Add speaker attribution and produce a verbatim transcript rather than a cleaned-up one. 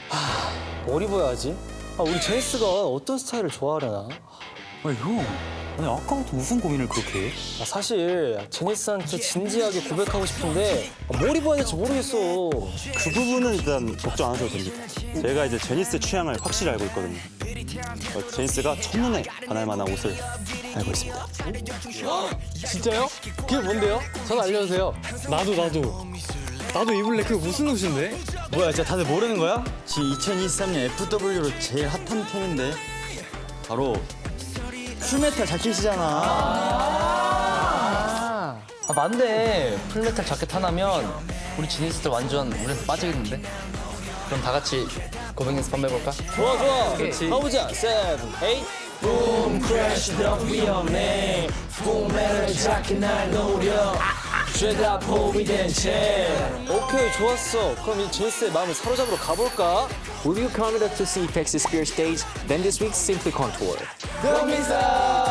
Speaker 1: 뭘 입어야지? 아, 우리 제니스가 어떤 스타일을 좋아하려나?
Speaker 2: 아니 형, 아니 아까부터 무슨 고민을 그렇게 해?
Speaker 1: 아, 사실 제니스한테 진지하게 고백하고 싶은데 아, 뭘 입어야 될지 모르겠어.
Speaker 3: 그 부분은 일단 걱정 안 하셔도 됩니다. 제가 이제 제니스 취향을 확실히 알고 있거든요. 어, 제니스가 첫눈에 반할 만한 옷을 알고 있습니다.
Speaker 1: 진짜요? 그게 뭔데요? 저는 알려주세요.
Speaker 4: 나도 나도 나도 입을래. 그게 무슨 옷인데?
Speaker 2: 뭐야, 진짜 다들 모르는 거야? 지금 이천이십삼 년 에프더블유로 제일 핫한 템인데 바로 풀메탈 자켓이잖아.
Speaker 5: 아 맞네. 풀메탈 자켓 하나면 우리 지니스들 완전 우리한테 빠지겠는데? 그럼 다 같이 고백 연습 한번 해볼까?
Speaker 1: 좋아 좋아. 가보자. 세븐, 에잇. Boom, crash 더 위험해. 봄에를 작게 날 노려. 죄다 포위 된 채. 오케이 좋았어. 그럼 이 제니스의 마음을 사로잡으러 가볼까?
Speaker 6: Will you come to see Pexy Spear stage? Then this week's Simply Contour.
Speaker 1: 금민사.